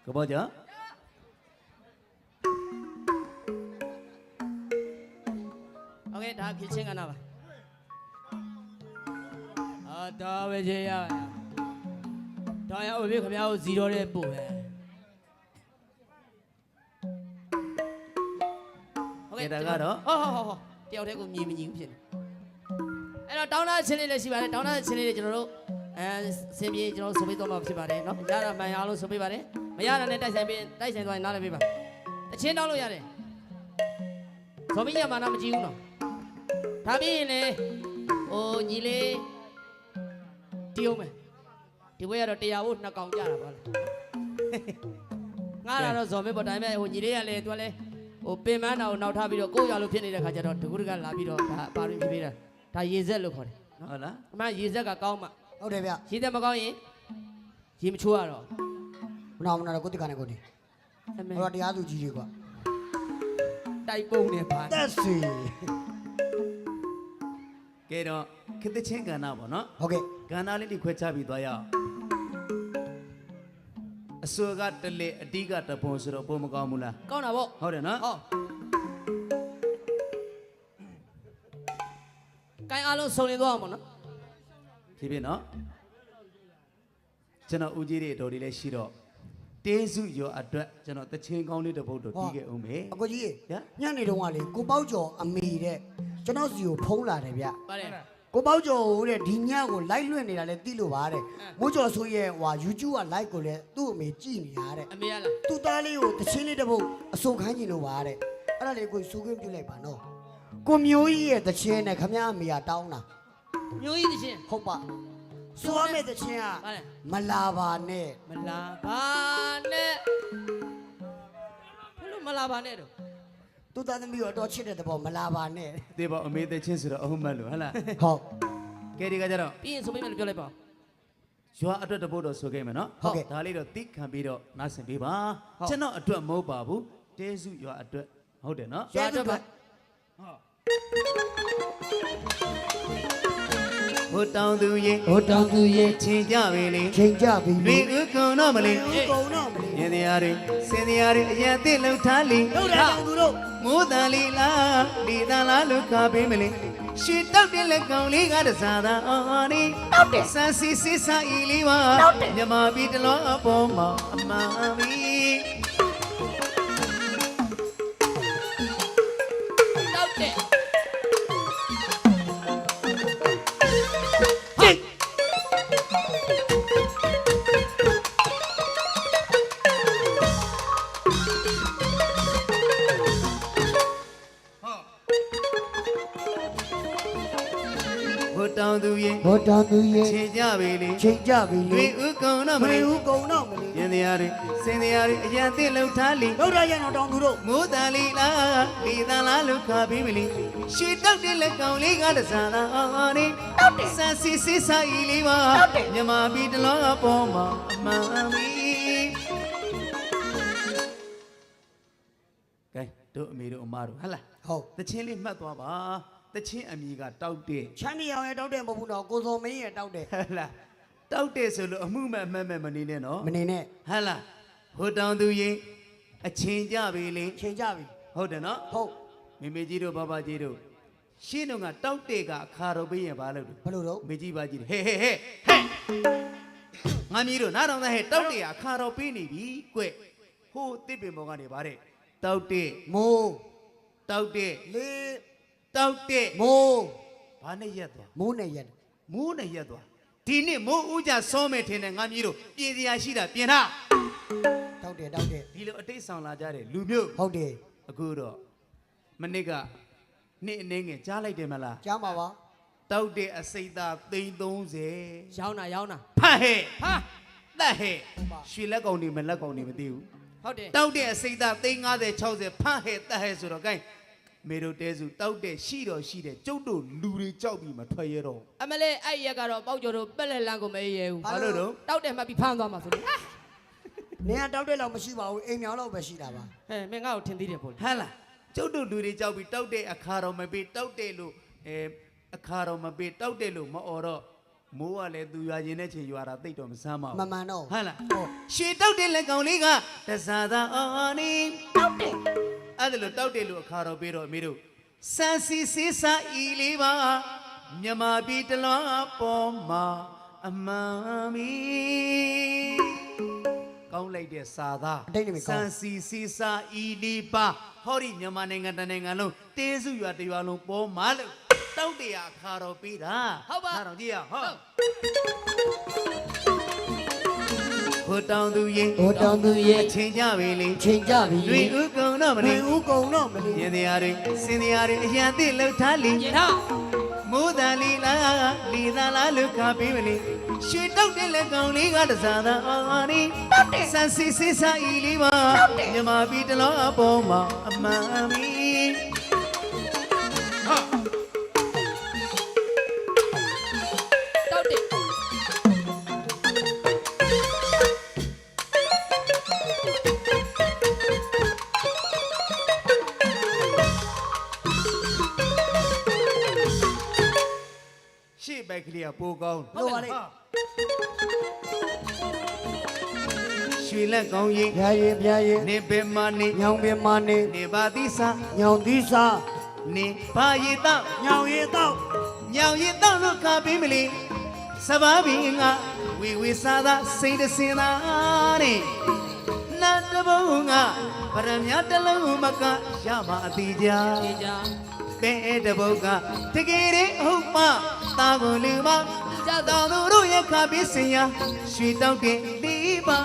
ကဘောကြโอเคဒါဖြစ်ချင်းကနာပါဒါပဲကြရဒါရအောင်ပြီခင်ဗျားကို0တဲ့ပို့ပဲโอเคဒါကတော့ဟောတယောက်တည်းကိုမြည်မညီဘူးဖြစ်နေအဲ့တော့တောင်းတချင်းလေးလည်းရှိပါတယ်တောင်းတချင်းလေးတွေကျွန်တော်တို့စင်ပြေကျွန်တော်ဆိုပေးတော့မှာဖြစ်ပါတယ်เนาะရတာမှန်ရအောင်လို့ဆိုပေးပါတယ်မရတာနဲ့တိုက်ဆိုင်သွားရင်နားလည်းပေးပါတချင်းတောင်းလို့ရတယ်ဆိုပြီးရမှာနာမကြည့်ဘူးနော်ဒါပြီးရင်လေဟိုညီလေးတီးအောင်မယ်ဒီဘွဲကတော့တရားဖို့2កောင်ကြတာပါလားငါကတော့ဇော်မဲပေါ့ဒါပေမဲ့ဟိုညီလေးကလည်းသူကလည်းဟိုပင်မန်းတာကိုနောက်ထားပြီးတော့ကိုယ့်ရလို့ဖြစ်နေတဲ့ခါကျတော့တကူတကလာပြီးတော့ဒါပါရင်းပြေးတာဒါရေဆက်လို့ခေါ်တယ်နော်ဟုတ်လားအမှရေဆက်ကကောင်းမှဟုတ်တယ်ဗျရေဆက်မကောင်းရင်ရေမချိုးရတော့မနာတော့ကိုတိကနေကိုတိဟိုတရားသူကြီးတွေကွာတိုက်ပုံနေပါတက်စီကဲတော့ခေတ္တချင်းကဏ္ဍပေါ့နော်ဟုတ်ကဲ့ကဏ္ဍလေးတွေခွဲခြားပြီးသွားရအောင်အစွဲကတလေအတိကတပုံဆိုတော့ပုံမကောင်းဘူးလားကောင်းတာပေါ့ဟုတ်တယ်နော်ဟောကိုင်းအားလုံးစုံလင်သွားအောင်ပေါ့နော်ဖြစ်ဖြစ်နော်ကျွန်တော်ဦးကြီးတွေတော်တွေလည်းရှိတော့တင်းစုရောအတွက်ကျွန်တော်တချင်းကောင်းလေးတစ်ပုဒ်တော့တီးခဲ့အောင်မယ်အကိုကြီးညနေတုန်းကလေကိုပေါက်ကျော်အမေတဲ့ကျွန်တော်စီကိုဖုံးလာတယ်ဗျပါတယ်ကိုပေါက်ကျော်တဲ့ဒီညကိုလိုက်လွင့်နေတာလဲသိလို့ပါတဲ့မိုးကျော်ဆိုရဲ့ဟွာ YouTube က like ကိုလဲသူ့အမေကြည့်နေရတဲ့အမေရလားသူ့သားလေးကိုတချင်းလေးတစ်ပုဒ်အစုံခိုင်းနေလို့ပါတဲ့အဲ့ဒါလေးကိုစူးခင်းပြလိုက်ပါနော်ကိုမျိုးကြီးရဲ့တချင်းနဲ့ခမရအမေကတောင်းတာမျိုးကြီးတချင်းဟုတ်ပါဆိုရမယ့်တချင်းကမလာပါနဲ့မလာပါနဲ့ဘယ်လိုမလာပါနဲ့တော့သူ့သားသမီးကိုတော့ချစ်တဲ့တဘောမလာပါနဲ့ဒီပေါ့အမေတချင်းဆိုတော့အဟုတ်မှတ်လို့ဟဟလားဟုတ်ကဲဒီကကြတော့ပြီးရင်ဆိုပေးမယ်လို့ပြောလိုက်ပါရွာအတွက်တပုတ်တော့ဆိုခဲ့မယ်နော်ဟုတ်ဒါလေးတော့တိခံပြီးတော့နားဆင်ပေးပါကျွန်တော်အတွက်မဟုတ်ပါဘူးတဲစုရွာအတွက်ဟုတ်တယ်နော်ရွာအတွက်ပါဟိုတောင်သူရေချင်းကြပြီလေချင်းကြပြီလေဥကုံတော့မလေးဥကုံတော့မလေးရင်တရားတွေစင်တရားတွေအရင်သိလုံထားလီဟုတ်တယ်တောင်သူတို့မိုးတန်လီလားဒီတန်လားလို့ခါပေးမလေးရှီတောက်တဲ့လက်ကောင်လေးကတစားသာအော်နီတောက်တယ်ဆန်းစီစစ်စာဤလေးပါမြမပြီးတလောအပေါ်မှာအမှန်ပြီတောက်တယ်တောင်သူရေချင်းကြပြီလေချင်းကြပြီလေဥကုံတော့မလေးဥကုံတော့မလေးရင်တရားတွေစင်တရားတွေအရင်သိလုံထားလီဟုတ်တယ်ရအောင်တောင်သူတို့မိုးတန်လီလားဒီတန်လားလို့ခါပြီးမလီရှီတောက်တဲ့လက်ကောင်လေးကတစားသာအော်နီတောက်တယ်ဆန်းစီစစ်စာဤလေးပါမြမပြီးတလောအပေါ်မှာအမှန်ပြီကဲတို့အမေတို့အမတို့ဟဟလားဟုတ်တချင်းလေးမှတ်သွားပါတချင်းအမီကတောက်တဲ့ချမ်းမြေအောင်ရဲ့တောက်တဲ့မဟုတ်ဘူးတော့ကိုစောမင်းရဲ့တောက်တဲ့ဟလားတောက်တဲ့ဆိုလို့အမှုမဲ့အမှတ်မဲ့မနေနဲ့နော်မနေနဲ့ဟလားဟိုတောင်သူရင်အချင်းကြပြီလေချင်းကြပြီဟုတ်တယ်နော်ဟုတ်မေမေကြီးတို့ဘဘကြီးတို့ရှင်းတော့ကတောက်တဲ့ကအခါတော့ပေးရင်ဘာလုပ်ဘလို့တော့မေကြီးပါကြီးဟဲ့ငါမီးတို့နားတော်သားဟဲ့တောက်တဲ့အခါတော့ပေးနေပြီကွဟိုတစ်ပင်ပေါ်ကနေဗါတဲ့တောက်တဲ့မိုးတောက်တဲ့လေတောက်တဲ့မိုးဘာနဲ့ရက်သွားမိုးနဲ့ရက်သွားဒီနေ့မိုးဦးကြစောမယ်ထင်တယ်ငါမျိုးတို့ပြင်စရာရှိတာပြင်ထားတောက်တဲ့ဒီလိုအတိတ်ဆောင်လာကြတယ်လူမျိုးဟုတ်တယ်အခုတော့မနစ်ကနေ့အနေငယ်ကြားလိုက်တယ်မလားကြားပါပါတောက်တဲ့အစိတ်သား330 ရောင်းတာဖတ်ဟဲ့တက်ဟဲ့ရွှေလက်ကောင်တွေမလက်ကောင်တွေမသိဘူးဟုတ်တယ်တောက်တဲ့အစိတ်သား350 60ဖတ်ဟဲ့တက်ဟဲ့ဆိုတော့ gain မေတို့တဲစုတောက်တဲ့ရှိတယ်ကျုပ်တို့လူတွေကြောက်ပြီးမထွက်ရတော့အမလေးအဲ့ရက်ကတော့ပေါက်ကျော်တို့ပက်လက်လန်းကိုမရဲဘူးဘာလို့တော့တောက်တယ်မှတ်ပြီးဖမ်းသွားမှာဆိုလို့နေကတောက်တဲ့လောက်မရှိပါဘူးအိမ်မြောင်လောက်ပဲရှိတာပါဟဲ့မင်းငါ့ကိုထင်သေးတယ်ပေါ့ဟမ်လားကျုပ်တို့လူတွေကြောက်ပြီးတောက်တဲ့အခါတော့မပေးတောက်တဲ့လို့အခါတော့မပေးတောက်တဲ့လို့မအော်တော့မိုးကလည်းသူရွာရင်တဲ့ချိန်ရွာတာတိတ်တော့မဆမ်းပါဘူးမမှန်တော့ဟုတ်လားဟုတ်ရွှေတောက်တဲ့လက်ကောင်လေးကတစားသာအော်နီတောက်တယ်အဲ့ဒါလို့တောက်တယ်လို့အခါတော့ပြီးတော့အမေတို့စန်စီစီစာဤလေးပါမြမပြည်တလွန်ပေါ်မှာအမှန်မီကောင်းလိုက်တဲ့စာသားအတိတ်နေမစကောန်င်းစီစီစာဤလေးပါဟောဒီမြန်မာနိုင်ငံတစ်နိုင်ငံလုံးတေးစုရွာတစ်ရွာလုံးပေါ်မှာလို့တောက်တယ်အခါတော့ပြီးတာဟုတ်ပါခါတော့ကြည့်ရဟုတ် ဟိုတောင်သူရင်ဟိုတောင်သူရဲ့အချင်းကြပြီလေချိန်ကြပြီလွေဥကုံတော့မလူနေဦးကုံတော့မလေးရင်တရားတွေစင်တရားတွေအရန်သိလှုပ်ထားလီရေထားမိုးတန်လီလားလီသာလားလုခါပေးမလီရွှေတောက်တဲ့လက်ကောင်လေးကတစားသာအော်နီဆန်စီစီစာဤလေးပါမြမပြည်တလောအပေါ်မှာအမှန်မီဟာတောက်တယ်ရှေ့ဘက်ကလေးကပိုကောင်းလို့ပါလေရွှေလက်ကောင်းရင်ဗျာရင်ဗျာရင်နေဘယ်မှာနေညောင်ပင်မနေနေပါသီစာညောင်သီးစာနေဘာရည်တော့ညောင်ရည်တော့ညောင်ရည်တော့လို့ခါပေးမလီစဘာဘီငါဝီဝီစားသာစိတ်တစင်သာတဲ့နတ်တဘုံကဗရမ ्या တလုံးမကရမှာအတိကြရေကြပဲတဘုံကတကယ်ရင်ဟုတ်မှတာကုန်လူမကြတော်သူတို့ရဲ့ခါပေးစင်ရရွှေတောက်တဲ့ဒီပါ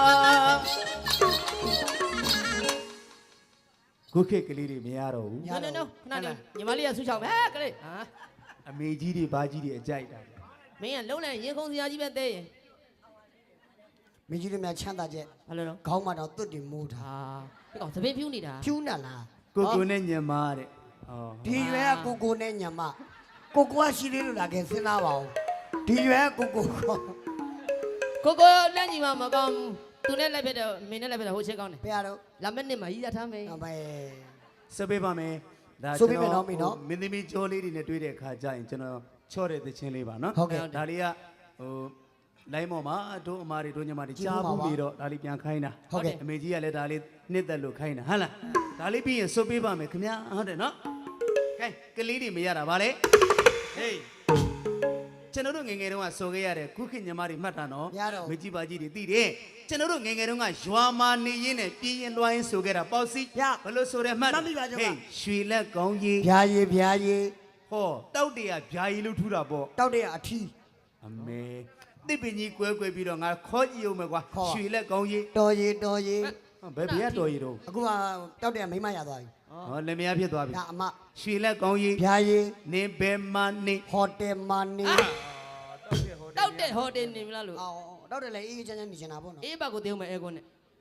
ခုခေတ်ကလေးတွေမရတော့ဘူးနော်နော်ခဏနေညီမလေးကဆူချောင်းပဲကလေးဟာအမေကြီးတွေဘာကြီးတွေအကြိုက်တာမင်းကလုံးလိုက်ရင်ခုံစရာကြီးပဲသေးရင်မင်းကြီးတို့များချမ်းသာချက်ဘာလို့လဲခေါင်းမတော့တွတ်တင်မိုးထားဟာဒီကောင်သပင်းဖြူးနေတာဖြူးနာလားကိုကိုနဲ့ညမတဲ့ဟောဒီရွယ်ကကိုကိုနဲ့ညမကိုကိုကရှိသေးလို့လာခဲ့စဉ်းစားပါဦးဒီရွယ်ကကိုကိုကိုကိုလက်ညီမမကောင်းသူနဲ့လိုက်ဖြစ်တယ်မင်းနဲ့လိုက်ဖြစ်တယ်ဟိုချက်ကောင်းတယ်ဘယ်ရတော့လာမက်နှစ်မှာကြီးရထားမယ်အမေစပေးပါမယ်ဒါဆိုပေးမယ်နော်မင်းနော်မင်းသမီးကြောလေးတွေနဲ့တွေ့တဲ့အခါကျရင်ကျွန်တော်ချော့တဲ့သချင်းလေးပါနော်ဟုတ်ကဲ့ဒါလေးကဟိုလိုင်းပေါ်မှာတို့အမားတွေတို့ညီမတွေကြည့်ကြားဖို့ဘူးပါပြီးတော့ဒါလေးပြန်ခိုင်းတာဟုတ်ကဲ့အမေကြီးကလည်းဒါလေးနှစ်သက်လို့ခိုင်းတာဟုတ်လားဒါလေးပြီးရင်စွပေးပါမယ်ခင်ဗျာဟုတ်တယ်နော်ခိုင်းကလေးတွေမရတာဗါလေဟေးကျွန်တော်တို့ငယ်ငယ်တုန်းကဆိုခဲ့ရတဲ့ခုခေတ်ညီမတွေမှတ်တာနော်ရတော့မကြီးပါကြီးတွေသိတယ်ကျွန်တော်တို့ငယ်ငယ်တုန်းကရွာမာနေရင်းနဲ့ပြင်းရင်လွှိုင်းဆိုခဲ့တာပေါ့စီရဘလို့ဆိုရဲမှတ်မှတ်မိပါကြောင့်ပါဟေးရွှေလက်ကောင်းကြီးဗျာရည်ဗျာရည်ဟောတောက်တရဗျာရီလို့ထူတာပေါ့တောက်တဲ့အထီးအမေတစ်ပင်ကြီးကွဲကွဲပြီးတော့ငါခေါ်ကြည့်အောင်မယ်ကွာခေါ်ရွှေလက်ကောင်းကြီးတော်ရည်တော်ရည်ဘယ်ဘယ်ကတော်ရီတော့အခုကတောက်တဲ့မိမရသွားပြီဟောလက်မယားဖြစ်သွားပြီဒါအမရွှေလက်ကောင်းကြီးဗျာရည်နေဘယ်မှာနေဟိုတယ်မနီတောက်တဲ့ဟိုတယ်နေမလားလို့အော်တောက်တယ်လေအေးချမ်းချမ်းနေချင်တာပေါ့နော်အေးဘက်ကိုတေးဦးမယ်အဲကွန်းနဲ့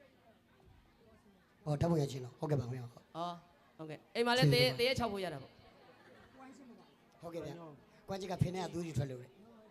ဟောဓာတ်ပုံရချင်းတော့ဟုတ်ကဲ့ပါခင်ဗျာဟောဟုတ်ကဲ့အိမ်မှာလည်းတေးတေး6ဖို့ရတာပေါ့ဟုတ်ကဲ့ဗျာကွမ်းကြီးကဖင်းနဲ့ကသူးကြီးထွက်လို့လေ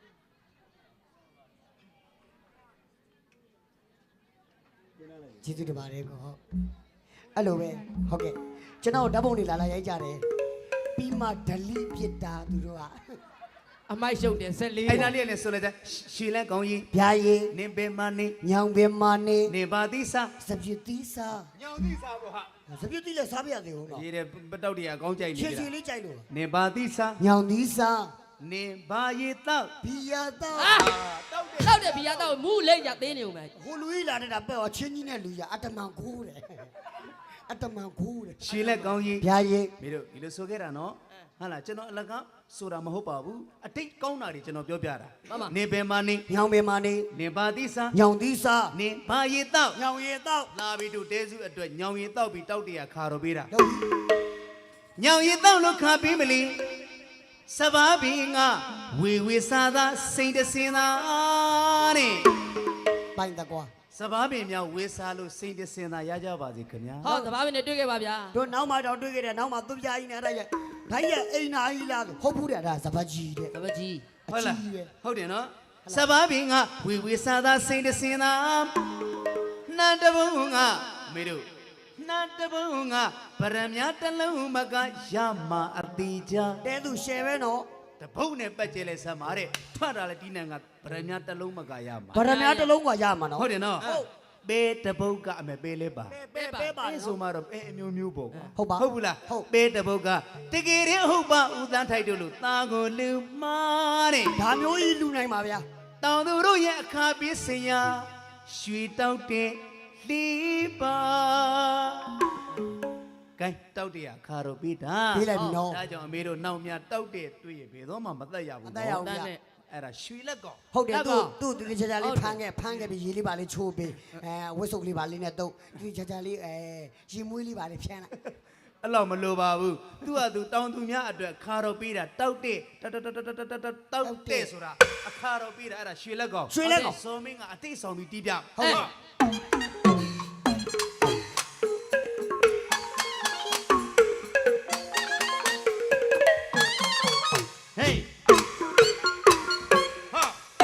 ကျေးဇူးတင်ပါတယ်ကောအဲ့လိုပဲဟုတ်ကဲ့ကျွန်တော်ဓာတ်ပုံတွေလာရိုက်ကြတယ်ပြီးမှဒလီပြစ်တာသူတို့ကအမိုက်ရှုပ်တယ်14 အဲ့ဒါလေးလည်းဆိုလိုက်ကြရွှေလက်ကောင်းကြီးဗျာရည်နေဘယ်မှာနေညောင်ပင်မနေနေပါသီစာစပြစ်သီးစားညောင်သီစာပေါ့ဟာစပြစ်သီးလည်းစားပြရသေးဘူးနော်ရေးတဲ့ပတောက်တရကောင်းကြိုက်နေချေကြချေတာလေးကြိုက်လို့နေပါသီစာညောင်သီးစားနေဘာရီတောက်ဘီယာတော့တောက်တယ်ဘီယာတောက်မူးလိမ့်ရသေးနေဦးမယ်ဟိုလူကြီးလာတဲ့တာပဲ့တော့ချင်းကြီးနဲ့လူကြီးအတ္တမန်ခိုးတယ်အတ္တမန်ခိုးတယ်ရွှေလက်ကောင်းကြီးဗျာရည်မင်းတို့ဒီလိုဆိုခဲ့တာနော်ဟာလားကျွန်တော်အလကားဆိုတာမဟုတ်ပါဘူးအတိတ်ကောင်းတာတွေကျွန်တော်ပြောပြတာနေဘယ်မှာနေညောင်ပင်မနေနေပါသီစာညောင်သီးစားနေဘာရီတောက်ညောင်ရည်တော့လာပြီးတို့တဲစုအတွက်ညောင်ရီတောက်ပြီးတောက်တရခါတော့ပေးတာတော့ညောင်ရီတောက်လို့ခါပေးမလီစဘာဘီငါဝေဝေစားသာစိတ်တစင်သာတဲ့ပိုင်တကွာစဘာဘီမြောက်ဝေစားလို့စိတ်တစင်သာရကြပါစေခင်ဗျာဟောသဘာဝနဲ့တွေ့ခဲ့ပါဗျာတို့နောက်မှတော့တွေ့ခဲ့တယ်နောက်မှသူပြားကြီးနဲ့အဲ့ဒါရဲ့ဓာတ်ရဲ့အိမ်နာကြီးလားဆိုဟုတ်ဘူးတဲ့ဒါစပတ်ကြီးတဲ့သဘကြီးဟုတ်လားအကြီးပဲဟုတ်တယ်နော်စဘာဘီငါဝေဝေစားသာစိတ်တစင်သာနတ်တဘုံငါမေတို့နတ်တဘုံငါဗရမ ्या တလုံးမကရမှာအတိကြတဲသူရှယ်ပဲနော်တပုတ်နဲ့ပတ်ကျဲလဲဆက်မှာတဲ့ထွက်တာလဲဒီနံကဗရမများတစ်လုံးမကရမှာဗရမများတစ်လုံးကရမှာနော်ဟုတ်တယ်နော်ဟုတ်ပေတပုတ်ကအမေပေလဲပါပဲပါအဲဆိုမှတော့အဲအမျိုးမျိုးပေါ့ကွာဟုတ်ပါဟုတ်ဘူးလားဟုတ်ပေတပုတ်ကတကယ်ရင်ဟုတ်ပါဦးသန်းထိုက်တို့လို့တာကိုလူမာတဲ့ဒါမျိုးကြီးလူနိုင်ပါဗျာတောင်သူတို့ရဲ့အခါပေးစရာရွှေတောက်တဲ့လီပါကဲတောက်တဲ့အခါတော့ပြီးတာပေးလိုက်ပြီနော်ဒါကြောင့်အမေတို့နောက်မြတောက်တဲ့တွေ့ရဘယ်တော့မှမသက်ရဘူးမသက်ရဘူးတန်းနဲ့အဲ့ဒါရွှေလက်ကောင်ဟုတ်တယ်လက်ကောသူ့တိကျကျလေးဖမ်းခဲ့ပြီးရေလေးပါလေးချိုးပေးဝတ်စုပ်လေးပါလေးနဲ့တုပ်တိကျကျလေးရေမွေးလေးပါလေးဖြန်းလိုက်အဲ့လောက်မလိုပါဘူးသူကသူတောင်သူများအတွက်ခါတော့ပေးတာတောက်တဲ့တောက်တဲ့ဆိုတာအခါတော့ပေးတာအဲ့ဒါရွှေလက်ကောင်ရွှေလက်ကောင်စောမင်းကအတိတ်ဆောင်ပြီးတီးပြဟုတ်ပါဟေးဟာ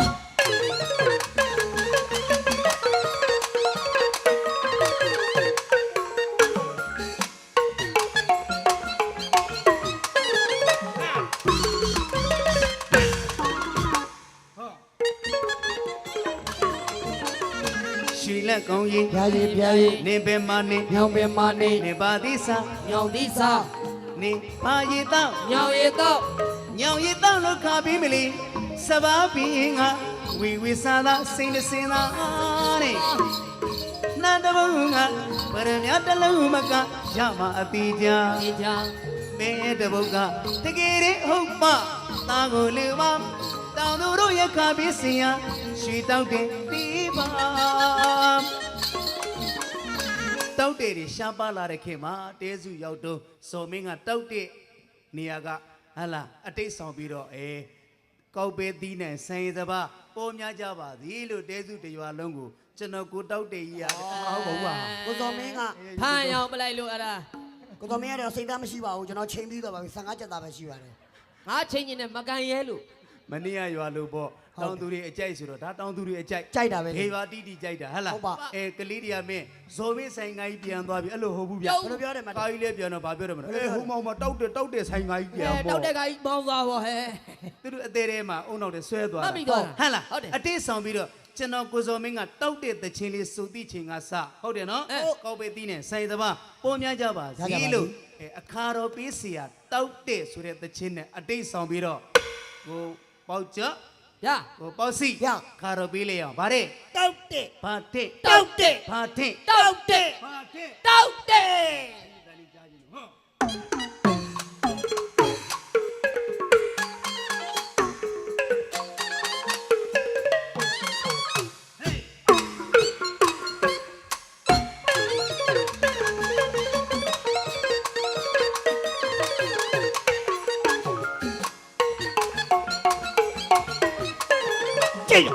ရွှေလက်ကောင်ကြီးရာကြီးပြားကြီးနေပဲမနေညောင်ပင်မနေနေပါသည်စာညောင်သီးစာနေပါရီတော့ညောင်ရီတော့ညောင်ရီတော့လို့ခါပြီးမလီစဘာပြီးငါဝီဝီစာသာစိတ်နဲ့စင်သာတဲ့နတ်တဘုံကပရမတလုံးမကရမအတိကြဒီကြောင်မဲတဘုံကတကယ်ရင်ဟုတ်ပါတာကိုလူမတောင်သူတို့ရခါပြီးစင်ရရွှေတောက်တဲ့တီးပါတောက်တဲ့တွေရှားပါလာတဲ့ခင်မှာတဲစုရောက်တော့စော်မင်းကတောက်တဲ့နေရာကဟာလာအတိတ်ဆောင်ပြီးတော့ကောက်ပဲသီးနဲ့ဆိုင်စပါပေါ်များကြပါသည်လို့တဲစုတရွာလုံးကိုကျွန်တော်ကိုတောက်တဲ့ကြီးရတယ်ဟုတ်ပါဘူးပါကိုစော်မင်းကဖမ်းရောင်ပလိုက်လို့အဲ့ဒါကိုစော်မင်းကတော့စိတ်သားမရှိပါဘူးကျွန်တော်ချိန်ပြီးတော့ပါပြီ15ကျက်သားပဲရှိပါတယ်ငါချင်းချင်းနဲ့မကန်ရဲလို့မနေ့ကရွာလို့ပေါ့တောင်သူတွေအကြိုက်ဆိုတော့ဒါတောင်သူတွေအကြိုက်ကြိုက်တာပဲလေခေရွာတီးတီးကြိုက်တာဟဟလားဟုတ်ပါကလေးတွေကမင်းဇော်မင်းဆိုင်ငါကြီးပြန်သွားပြီအဲ့လိုဟုတ်ဘူးဗျဘယ်လိုပြောတယ်မကာကြီးလည်းပြန်တော့ဗာပြောတယ်မလို့ဟိုမောင်မတောက်တဲ့ဆိုင်ငါကြီးပြန်ပေါ့တောက်တဲ့ကကြီးမောင်းသွားပေါ့ဟဲ့သူတို့အသေးထဲမှာအုံနောက်တွေဆွဲသွားမှတာတ်ပြီးသွားတာဟမ်လားဟုတ်တယ်အတိတ်ဆောင်ပြီးတော့ကျွန်တော်ကိုစော်မင်းကတောက်တဲ့တချင်းလေးစုတိချင်းကစဟုတ်တယ်နော်ကောက်ပဲတီးနဲ့ဆိုင်သဘာပေါ်များကြပါစီလို့အခါတော်ပေးစီရတောက်တဲ့ဆိုတဲ့တချင်းနဲ့အတိတ်ဆောင်ပြီးတော့ကိုပေါက်ကြရကိုပေါ့စီခါတော့ပေးလေအောင်ဗါတဲ့တောက်တဲ့ဘာတဲ့တောက်တဲ့ဘာတဲ့တောက်တဲ့ဘာတဲ့တောက်တဲ့ကြည့်ရ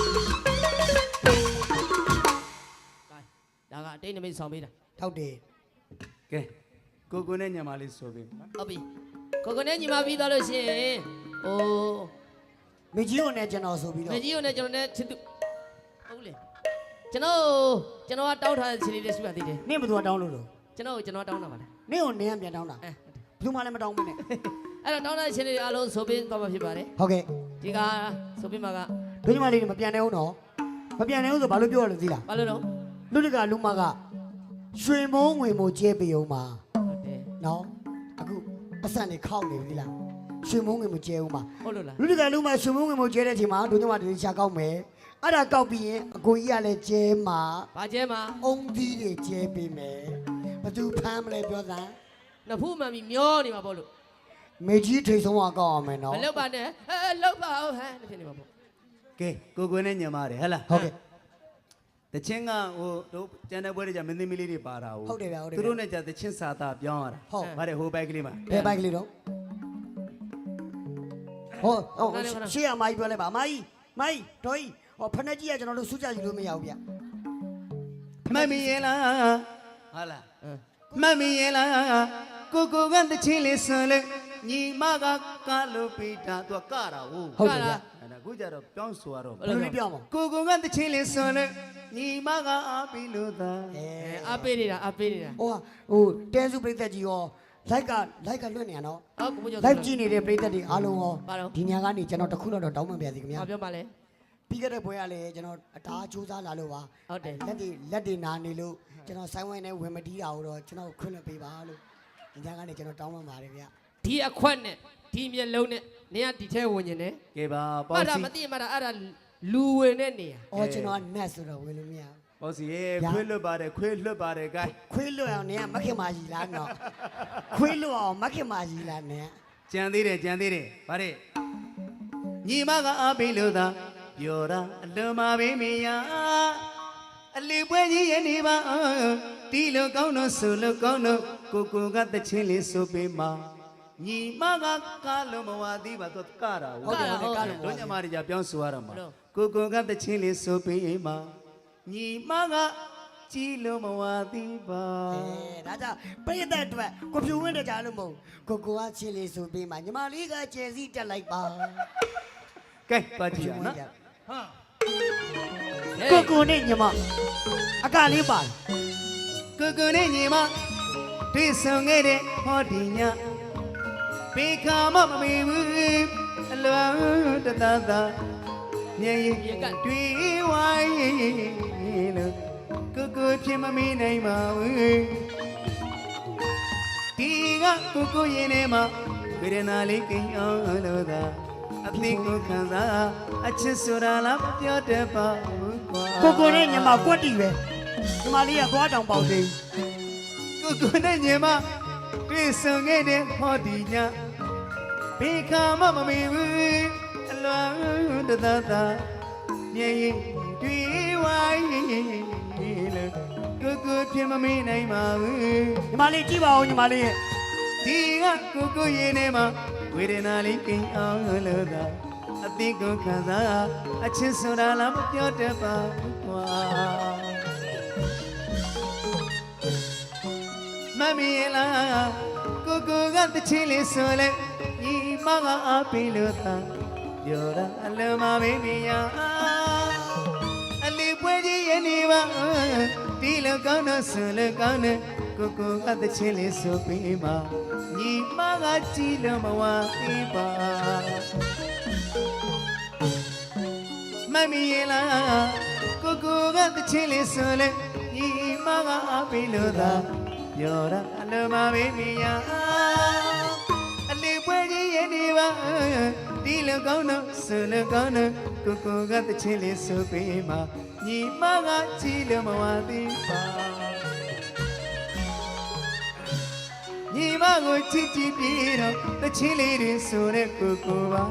ဒါကအတိတ်နမိတ်ဆောင်ပေးတာတောက်တယ်ကဲကိုနဲ့ညမလေးဆိုပေးနော်ဟုတ်ပြီကိုကိုနဲ့ညီမပြီးသွားလို့ရှိရင်ဟိုမကြီးကိုနဲ့ကျွန်တော်ဆိုပြီးမတော့ကြီးကိုနဲ့ကျွန်တော်နဲ့ချစ်သူဟုတ်လေကျွန်တော်ကတောင်းထားတဲ့ချင်းလေးလေးရှိပါသေးတယ်နင့်ဘယ်သူကတောင်းလို့လို့ကျွန်တော်တောင်းတာပါလားနင့်ကိုနင်းကပြန်တောင်းတာအဲဘယ်သူမှလည်းမတောင်းဘူးနဲ့အဲ့တော့တောင်းတဲ့ချင်းလေးအားလုံးဆိုပေးသွားမှာဖြစ်ပါတယ်ဟုတ်ကဲ့ဒီကဆိုပေးမှာကဒုညမလေးတွေမပြန်နိုင်ဘူးနော်မပြန်နိုင်ဘူးဆိုဘာလို့ပြောရလဲသိလားဘာလို့တော့လူတကလူမကရွှေမုံငွေမို့ကျဲပေးအောင်ပါဟုတ်တယ်နော်အခုပတ်စံနေခောက်နေပြီလားရွှေမုံငွေမို့ကျဲအောင်ပါဟုတ်လို့လားလူတကလူမရွှေမုံငွေမို့ကျဲတဲ့အချိန်မှာဒုညမတွေရှာကောက်မယ်အဲ့ဒါကောက်ပြီးရင်အကိုကြီးကလည်းကျဲမှာဘာကျဲမှာအုံသီးတွေကျဲပေးမယ်ဘသူဖမ်းမလဲပြောစမ်းနဖူးမှန်ပြီးမျောနေမှာပေါ့လို့မေကြီးထိတ်ဆုံးကကောက်အောင်မယ်နော်မလောက်ပါနဲ့လောက်ပါအောင်ဟဲ့ဖြစ်နေမှာပေါ့ကဲကိုနဲ့ညမတွေဟဲ့လားဟုတ်ကဲ့တချင်းကဟိုတို့ကျန်တဲ့ဘွဲတွေကြမင်းသမီးလေးတွေပါတာဟုတ်ဟုတ်တယ်ဗျဟုတ်တယ်ဗျသူတို့နဲ့ကြတချင်းစာသားပြောင်းရတာဟုတ်ဗါတဲ့ဟိုဘိုက်ကလေးမှာဘယ်ဘိုက်ကလေးတော့ဟုတ်ရှေ့အမကြီးပြောလိုက်ပါအမကြီးမိုင်းတော်ကြီးဟောဖက်နှက်ကြီးကကျွန်တော်တို့စူးကြယူလို့မရဘူးဗျမှတ်မိရဲ့လားဟာလားမှတ်မိရဲ့လားကိုကတချင်းလေးဆွန်လေညီမကကလို့ပေးတာသူကတာဟုတ်ဟုတ်တယ်ဗျအဲ့ဒါခုကြတော့ပြောင်းဆိုရတော့ဘယ်လိုလေးပြောမလဲကိုကတချင်းလေးဆွန်လေညီမကအားပြီးလို့သာအဲအားပေးနေတာဟိုတဲစုပြိသက်ကြီးရောလိုက်ကလွတ်နေရနော်ဟုတ်ကိုကျော်လိုက်ကြည့်နေတဲ့ပရိသတ်တွေအားလုံးရောပါတော့ဒီညကနေကျွန်တော်တစ်ခုတော့တောင်းပန်ပါစီခင်ဗျာဘာပြောပါလဲပြီးခဲ့တဲ့ပွဲကလည်းကျွန်တော်အတားစူးစမ်းလာလို့ပါဟုတ်တယ်လက်တွေနာနေလို့ကျွန်တော်ဆိုင်းဝိုင်းနဲ့ဝင်မတီးတာကိုတော့ကျွန်တော်ခွင့်လွှတ်ပေးပါလို့ဒီညကနေကျွန်တော်တောင်းပန်ပါတယ်ဗျာဒီအခွက်နဲ့ဒီမျက်လုံးနဲ့နေရဒီထဲဝင်နေတယ်ကဲပါမှပေါ့တ်တာစီမသိမှတ်တာအဲ့ဒါလူဝင်တဲ့နေရအော်ကျွန်တော်ကနတ်ဆိုတော့ဝင်လို့မရပေါ့စီရေခွေးလွတ်ပါတယ်ခွေးလွတ်ပါတယ်ဂိုင်းခွေးလွတ်အောင်နေကမခင်မာကြီးလားနော်ခွေးလွတ်အောင်မခင်မာကြီးလားနေကြံသေးတယ်ဗါတဲ့ညီမကအားပေးလို့သာပြောတာအလွန်မပေးမရအလီပွဲကြီးရဲ့နေပါတီလိုကောင်းတော့ဆူလိုကောင်းတော့ကိုကတချင်းလေးဆိုပေးမှာညီမကကားလုံးမဝသေးပါတော့ကတာဟုတ်တယ်ဟုတ်တယ်ကားလို့တို့ညမတွေကြပြောင်းဆိုရတော့မှာကိုကတချင်းလေးဆိုပေးမှာညီမကကြည်လို့မဝသေးပါဒါကြောင့်ပရိသတ်အတွက်ကိုဖြူဝင်းတဲ့ကြားလို့မဟုတ်ကိုကချင်းလေးဆိုပေးမှာညီမလေးကကျယ်စီတက်လိုက်ပါကဲပါကြည့်ရနော်ကိုနဲ့ညီမအကလေးပါကိုနဲ့ညီမတွေ့ဆုံခဲ့တဲ့ဟောဒီညဘေခါမမမေဘူးအလွန်တတသာမြင်ရင်တွေ့ဝိုင်းလို့ကိုဖြစ်မမေးနိုင်ပါဘူးဒီကကိုရင်ထဲမှာဝေဒနာလေးကိန်းအောင်လို့သာအသိကိုခံစားအချစ်ဆိုတာလားပြောတတ်ပါဘူးကွာကိုနဲ့ညီမကွက်တီပဲညီမလေးကသွားတောင်ပေါက်သေးကိုနဲ့ညီမတွေ့ဆုံခဲ့တဲ့ဟောဒီညဘေခါမမမေဘူးအလွန်တသသာမြင်ရင်တွေ့ဝိုင်းလို့ကိုဖြစ်မမေးနိုင်ပါဘူးညီမလေးကြည့်ပါဦးညီမလေးရဲ့ဒီကကိုရင်ထဲမှာဝေဒနာလေးကိန်းအောင်လို့သာအသိကိုခံစားအချစ်ဆိုတာလားမပြောတတ်ပါဘူးကွာမမီလားကိုကတချင်းလေးဆိုလဲညီမကအားပေးလို့သာပြောတာအလုံးမမေးမရအလီပွဲကြီးရဲ့နေပါဒီလိုကောင်းတော့ဆိုလို့ကောင်းတယ်ကိုကတချင်းလေးဆိုပေးပါညီမကကြည်လို့မဝသေးပါမမီလားကိုကတချင်းလေးဆိုလဲညီမကအားပေးလို့သာပြောတာအလုံးမမေးမရအလီပွဲကြီးရဲ့နေပါဒီလိုကောင်းတော့ဆိုလို့ကောင်းတယ်ကိုကတချင်းလေးဆိုပေးပါညီမကကြည်လို့မဝသေးပါညီမကိုချစ်ပြီးတော့တချင်းလေးတွေဆိုတဲ့ကိုပါ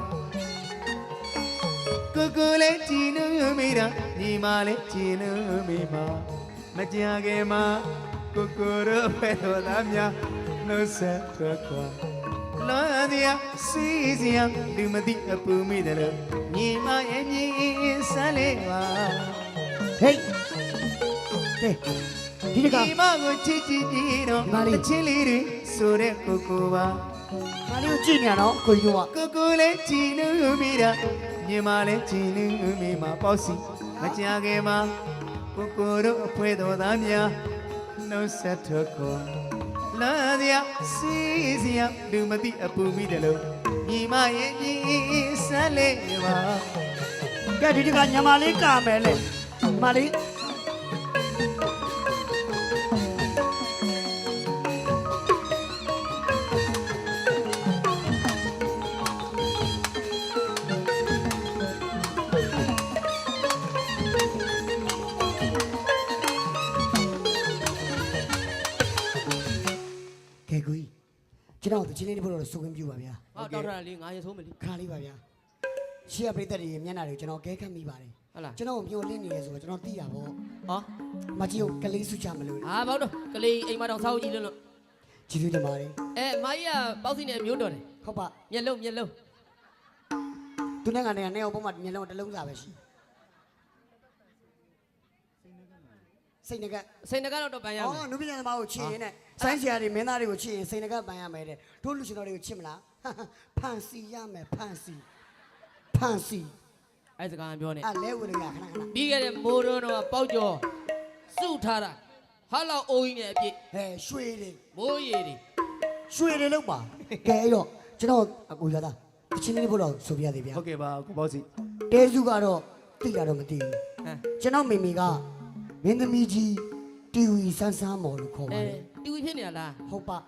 ကိုလည်းကြည်လို့မိတာညီမလည်းကြည်လို့မိပါမကြခင်မှာကိုရောပဲတော်သားများနှုတ်ဆက်ထွက်ခွာလွန်စရာစီးစရာလူမသိအပူမိတယ်လို့ညီမရဲ့မြင်ဆန်းလေးပါဟေးကဲဒီတကညီမကိုချစ်ပြီးတော့တချင်းလေးတွေဆိုတဲ့ကိုပါမလေးကိုကြည့်နေရနော်ကိုကြီးကကိုလည်းကြည်လို့မိတာညီမလည်းကြည်လို့မိမှာပေါ့စီမကြခင်မှာကိုတို့အဖွဲတော်သားများနှုတ်ဆက်ထွက်ခွာလာစရာစီးစရာလူမသိအပူမိတယ်လို့ညီမရဲ့ညီဆန်းလေးပါကဲဒီတကညမလေးကာမယ်လေမလေးကဲကိုကြီးကျွန်တော်တို့ချင်းလေးတွေဖို့တော့စုခွင့်ပြုပါဗျာဟောတောက်ထားတာလေးငါရေဆိုးမယ်လေခါလေးပါဗျာရှေ့ကပရိသတ်တွေမျက်နှာတွေကိုကျွန်တော်ကဲခတ်မိပါတယ်ဟုတ်လားကျွန်တော်မျောလင့်နေရဆိုတော့ကျွန်တော်သိတာပေါ့ဟောမကြီးကိုကလေးစုချမလို့ဟာဘောက်တော့ကလေးအိမ်မတော်ဆောက်ကြည့်လို့ကြည့်သေးတယ်မာလေးမကြီးကပေါက်စီနဲ့မျိုးတော်တယ်ဟုတ်ပါမျက်လုံးသူနဲ့ကနေအောင်ပုံမှမျက်လုံးတစ်လုံးစာပဲရှိစိတ်ငကစိတ်နှကတော့ပန်ရမယ်အော်နုပညာသမားကိုချစ်ရင်နဲ့ဆိုင်းဆရာတွေမင်းသားတွေကိုချစ်ရင်စိတ်ငကပန်ရမယ်တဲ့တို့လူရှင်တော်တွေကိုချစ်မလားဖန်စီရမယ်ဖန်စီအဲ့စကားပြောနေအဲ့လဲဝင်ရခဏခဏပြီးခဲ့တဲ့မိုးတော်တော့ပေါက်ကျော်စုထားတာဟာလောက်အိုးကြီးနဲ့အပြည့်ဟဲရွှေတွေမိုးရည်တွေရွှေတွေလောက်ပါကဲအဲ့တော့ကျွန်တော်အကူရတာတချင်းလေးဖို့တော့ဆိုပြရသေးဗျာဟုတ်ကဲ့ပါကိုပေါ့စီတဲစုကတော့တိတာတော့မသိဘူးဟမ်ကျွန်တော်မိမိကမင်းသမီးကြီးတီဝီဆန်းဆန်းမော်လို့ခေါ်ပါအဲတယ်တီဝီဖြစ်နေတာလားဟုတ်ပါ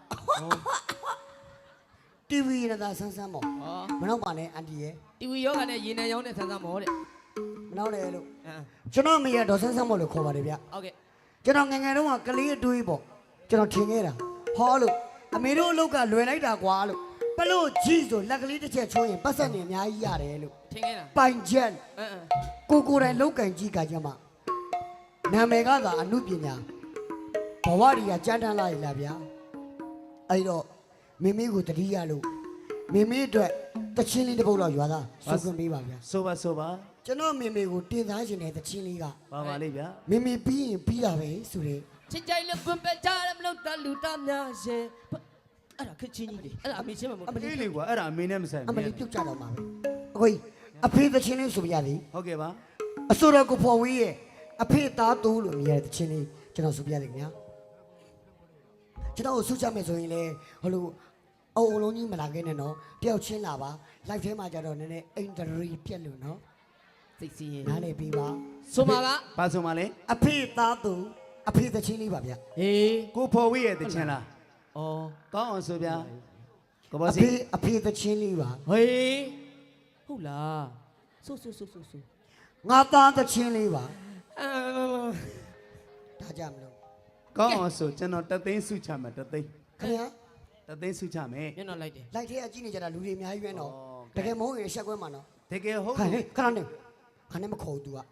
တီဝီရတာဆန်းဆန်းမော်ဩမနောက်ပါနဲ့အန်တီရဲ့တီဝီယောဂနဲ့ရေနံရောင်းတဲ့ဆန်းဆန်းမောတဲ့မနောက်နဲ့လို့ဟမ်ကျွန်တော်မိရတော့ဆန်းဆန်းမော်လို့ခေါ်ပါတယ်ဗျဟုတ်ကဲ့ကျွန်တော်ငယ်ငယ်တုန်းကကလေးအတွေးပေါ့ကျွန်တော်ထင်ခဲ့တာဟောလို့အမေတို့အလုပ်ကလွယ်လိုက်တာကွာလို့ပလို့ကြီးဆိုလက်ကလေးတစ်ချက်ချိုးရင်ပတ်ဆက်နေအများကြီးရတယ်လို့ထင်ခဲ့တာပိုင်ချက်အဲကိုယ်တိုင်လောက်ကင်ကြီးကကြမှာနာမည်ကသာအမှုပညာဘဝတွေကကြမ်းတမ်းလာရလားဗျာအဲ့တော့မိမိကိုတတိယလို့မိမိအတွက်တချင်းလေးတစ်ပုတ်တော့ရွာသားစုခွင့်ပေးပါဗျာဆိုပါဆိုပါကျွန်တော်မိမိကိုတင်သားခြင်းတဲ့တချင်းလေးကပါပါလေးဗျာမိမိပြီးရင်ပြီးတာပဲဆိုတဲ့ချစ်ကြိုက်လို့ပွန်ပက်ကြတယ်မလို့တလူတများရဲ့အဲ့ဒါခက်ချင်းကြီးလေအဲ့ဒါအမေချင်းမမဟုတ်အေးလေကွာအဲ့ဒါအမေနဲ့မဆိုင်အမဘူးလီပြုတ်ကြတော့မှာပဲအကိုကြီးအဖေတချင်းလေးဆိုပြရသည်ဟုတ်ကဲ့ပါအစိုးရကိုဖော်ဝေးရဲ့အဖေသားတိုးလို့မြည်ရတဲ့တချင်းလေးကျွန်တော်ဆိုပြရတယ်ခင်ဗျာကျွန်တော်ကိုဆုချမယ်ဆိုရင်လေဟိုလိုအုံလုံးကြီးမလာခဲ့နဲ့နော်တယောက်ချင်းလာပါ live ထဲမှာကြတော့နည်းနည်းအင်တရီပြက်လို့နော်စိတ်စီရင်နားလေပြီးပါဆိုမှာကပါဆိုမှလဲအဖေသားတိုးအဖေတချင်းလေးပါဗျာဟေးကိုဖော်ဝေးရဲ့တချင်လားဩကောင်းအောင်ဆိုဗျာကိုပေါ့အစီဖေတချင်းလေးပါဟေးဟုတ်လားဆိုငါသားတချင်းလေးပါအာဒါကြမလို့ကောင်းအောင်ဆိုကျွန်တော်တသိန်းစုချမယ်တသိန်းခင်ဗျာတသိန်းစုချမယ်မျက်နှာလိုက်တယ်လိုက်ထဲအကြည့်နေကြတာလူတွေအများကြီးပဲနော်ဩတကယ်မဟုတ်ရင်ရှက်ကွဲမှာနော်တကယ်ဟုတ်ခါဟဲ့ခဏနေခဏနေမခေါ် तू อ่ะ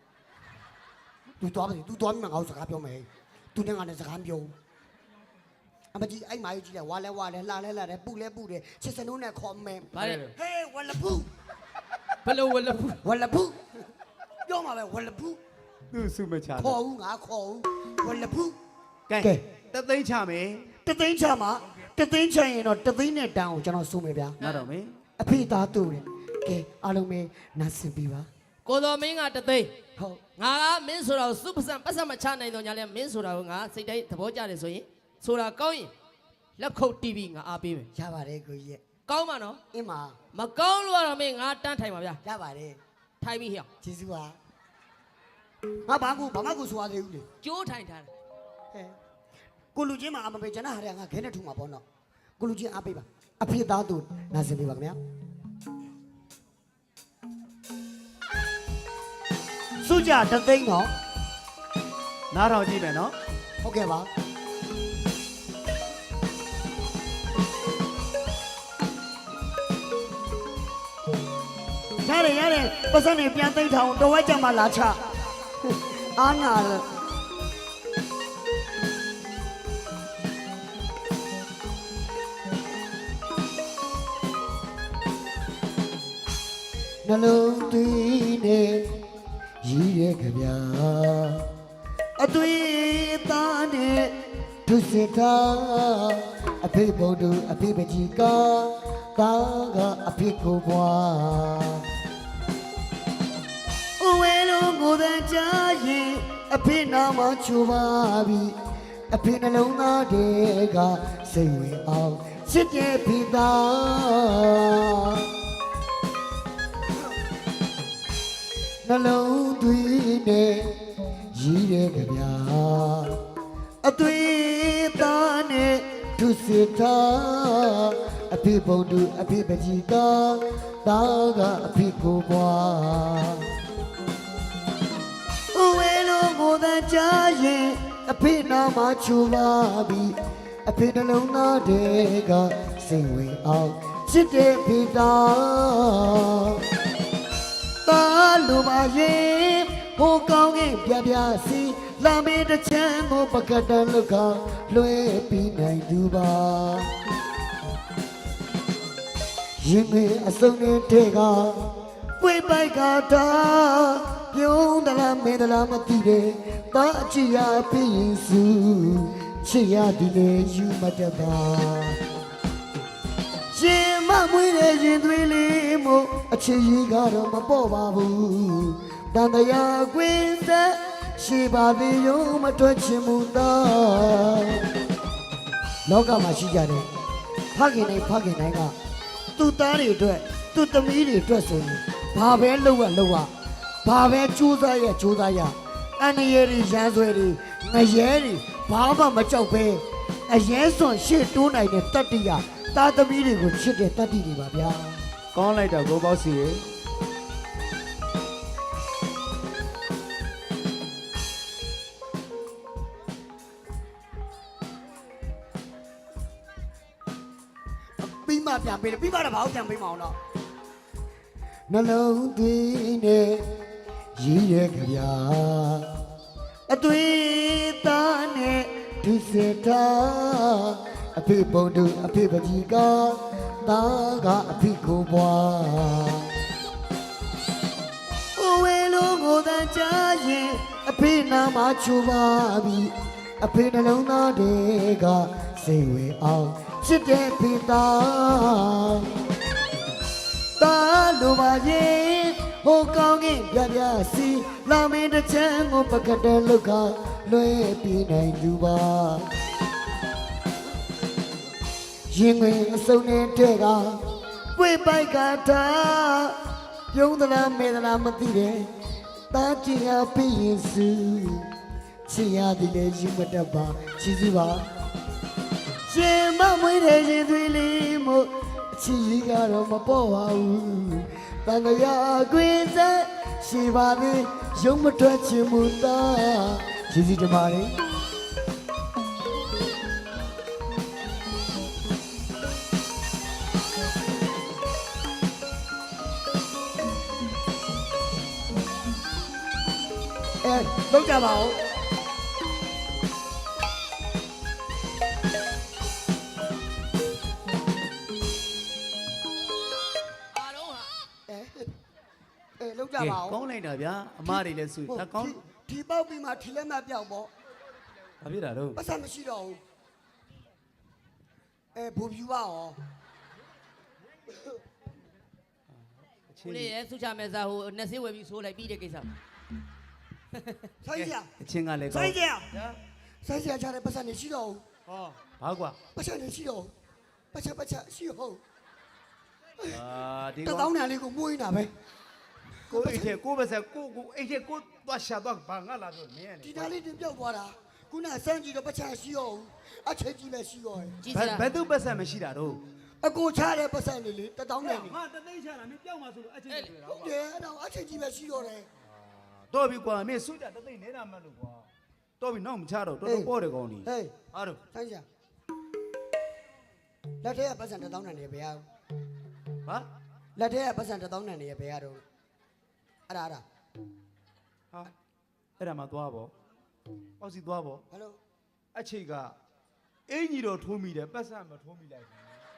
तू သွားပြီ तू သွားပြီမငါ့ကိုစကားပြောမယ် तू နဲ့ငါနဲ့စကားပြောအမကြီးအဲ့မာကြီးကြီးလဲဝါလဲလှလဲပူလဲချစ်စနိုးနဲ့ခေါ်မယ်ဗါတဲ့ဟေးဝလပူဘလို့ဝလဖူဝလပူပြောမှာပဲဝလပူသူ့စုမချခေါ်ဦးငါခေါ်ဦးဝလပူကဲကဲတသိန်းချမယ်တသိန်းချမှာတသိန်းချရင်တော့တသိန်းနဲ့တန်းကိုကျွန်တော်စုမယ်ဗျာနားတော့မယ်အဖေသားတူတယ်ကဲအားလုံးပဲနားဆင်ပြီးပါကိုတော်မင်းကတသိန်းဟုတ်ငါကမင်းဆိုတာကိုစုပစံပတ်စံမချနိုင်တော့ညာလဲမင်းဆိုတာကိုငါစိတ်တိုင်းသဘောကျတယ်ဆိုရင်ဆိုတာကောင်းရင်လက်ခုပ်တီးပြီးငါအားပေးမယ်ရပါတယ်ကိုကြီးရဲ့ကောင်းပါနော်အင်းမမကောင်းလို့ကတော့မင်းငါတန်းထိုင်ပါဗျာရပါတယ်ထိုင်ပြီးဟေ့ကျေးဇူးပါငါဘာမှကိုဆိုရသေးဘူးလေကျိုးထိုင်ထားတယ်ဟဲ့ကိုလူချင်းမှာအမပေးကျွန်တော်ဟာရငါခဲနဲ့ထူမှာပေါ့နော်ကိုလူချင်းအားပေးပါအဖေသားသူနားစင်ပေးပါခင်ဗျာစုကြတသိန်းတော့နားထောင်ကြည့်မယ်နော်ဟုတ်ကဲ့ပါရတယ်ပတ်စံနေပြန်သိမ့်ထောင်တော်ဝဲကြမှာလာချအားနာလို့ နှလုံးသွေးနဲ့ရည်ရဲ့ကြဗျာအသွေးသားနဲ့သူစစ်သားအဖေဘုံတို့အဖေပကြီးကသားကအဖေကိုဘွားအဝဲလုံးကိုယ်တည်းချရင်အဖေနာမချူပါပြီအဖေနှလုံးသားတွေကစိတ်ဝင်အောင်ချစ်တဲ့ဖေသား နှလုံးသွေးနဲ့ရည်ရဲ့ကြဗျာအသွေးသားနဲ့သူစစ်သားအဖေဘုံတို့အဖေပကြီးကသားကအဖေကိုဘွားအဝဲလုံးကိုယ်တည်းချရင်အဖေနာမချူပါပြီအဖေနှလုံးသားတွေကစိတ်ဝင်အောင်ချစ်တဲ့ဖေသား တာလူပါရင်ဟိုကောင်းကင်ပြပြစီလာမေးတစ်ချမ်းကိုပကတန်လုကလွှဲပြီးနိုင်သူပါရင်မေအစုံနဲ့ကပွေပိုက်ကတာပြုံးသလားမင်းသလားမသိတယ်တာအချစ်ရပြီးရင်စုချစ်ရဒီလေယူမတတ်ပါ ရှင်မမွေးတဲ့ရင်သွေးလေးမို့အချစ်ကြီးကတော့မပေါ့ပါဘူးတန်တရားကွင်းသက်ရှိပါသေးရုံမတွက်ချင်မှုသားလောကမှာရှိကြတယ်ဖခင်တိုင်းကသူ့သားတွေအတွက်သူ့သမီးတွေအတွက်ဆိုရင်ဘာပဲလုပ်ရဘာပဲကြိုးစားရအန်ရည်တွေရန်ဆွဲတွေငရဲတွေဘာမှမကြောက်ပဲအရင်စွန်ရှေ့တိုးနိုင်တဲ့တတ္တိယသားသမီးတွေကိုချစ်တဲ့တတ္တိတွေပါဗျာကောင်းလိုက်တာကိုပေါ့စီရေပြီးမှပြန်ပေးတယ်ပြီးမှတော့ဘာလို့ပြန်ပေးမအောင်တော့နှလုံးသွင်းနဲ့ရည်ရကြဗျာအသွေးသားနဲ့ဒုစတာအဖေပုံတူအဖေပကြီးကသားကအဖေကိုဘွားအိုဝဲလုံးကိုတန်ချရင်အဖေနာမချူပါပြီအဖေနှလုံးသားတွေကစိတ်ဝင်အောင်ချစ်တဲ့ဖေသားတာလိုပါရဲ့ဟိုကောင်းကင်ပြပြစီလာမင်းတစ်ချမ်းကိုပကတဲ့လောက်ကလွှဲပြီးနိုင်သူပါရင်ဝင်အစုံနဲ့တဲ့ကပွေပိုက်ကတာပြုံးသလားမဲသလားမသိတယ်တာကြည့်ရပြီးရင်စုချစ်ရသည်လေယူမတတ်ပါချစ်စီပါရှင်မမွေးတဲ့ရင်သွေးလေးမို့အချစ်ကြီးကတော့မပေါ်ပါဘူးတန်ကြရာကွင်းဆက်ရှိပါသေးရုံမထွက်ချင်မှုသားချစ်စီတမားလေးလောက်ကြပါဦးလောက်ကြပါဦးကောင်းလိုက်တာဗျာအမတွေလည်းဆွေဒါကောင်းဒီပေါက်ပြီးမှထီလက်မပြောက်ပေါ့ဘာဖြစ်တာတော့ပတ်စံမရှိတော့ဘူးဘူဖြူပါရောဦးလေးရဲ့စုချမဲ့စားဟိုနှစ်ဆေးဝယ်ပြီးဆိုးလိုက်ပြီးတဲ့ကိစ္စဆိုင်ကြအချင်းကလည်းကောဆိုင်င်းကြဆိုင်ကြချတဲ့ပတ်စံမရှိတော့ဘူးဟောဘာကွာပတ်စံမရှိတော့ပတ်ချက်ရှိဟုတ်ဒီတကောသောင်းတန်လေးကိုမွေးနေတာပဲကိုအိတ်ထဲကိုပဲဆက်ကိုအိတ်ထဲကိုသွားရှာသွားဘာငါလာတော့မင်းဒီသားလေးတင်ပြောက်သွားတာခုနစမ်းကြည့်တော့ပတ်ချက်ရှိဟုတ်အချက်ကြီးပဲရှိတော့ကြည့်စရာဘယ်သူပတ်ဆက်မရှိတာတော့အကိုချတဲ့ပတ်စံလေးလေတသောင်းတန်လေးငါတသိန်းချတာမင်းပြောက်မှာဆိုလို့အချင်းတွေ့တာဟုတ်တယ်အဲ့တော့အချက်ကြီးပဲရှိတော့တယ်တော့ပြီကွာမင်းစုတာတသိန်းနေတာမလို့ကွာတော့ပြီနောက်မချတော့တော်တော်ပေါ့တယ်ကောင်းဒီဟေးအားတော့ဆိုင်ကြလက်ထဲကပတ်စံတသောင်းတန်လေးဘယ်ရဟာလက်ထဲကပတ်စံတသောင်းတန်လေးဘယ်ရတော့အဲ့ဒါဟာအဲ့ဒါမှသွားပေါ့ပေါ့စီသွားပေါ့ဟယ်လိုအချိတ်ကအင်ကြီးတော့ထိုးမိတယ်ပတ်စံမထိုးမိလိုက်ဘူး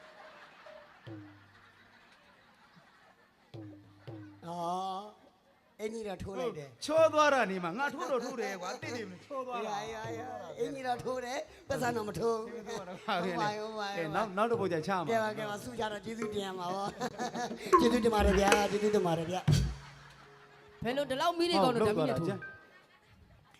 အော်အင်းကြီးတော့ထိုးလိုက်တယ်ချောသွားတာနေမှာငါထိုးတော့ထိုးတယ်ကွာတိတိမချောသွားတာအင်းကြီးတော့ထိုးတယ်ပတ်စံတော့မထိုးဘူးဟုတ်ပါရဲ့နောက်တစ်ပုတ်ကြချမှာကဲပါဆုကြတော့ကျေးဇူးတင်ရမှာပေါ့ကျေးဇူးတင်ပါတယ်ဗျာကျေးဇူးတင်ပါတယ်ဗျာဘယ်လိုဒီလောက်မီးတွေကောင်းလို့ဓာတ်မီးနဲ့ထိုး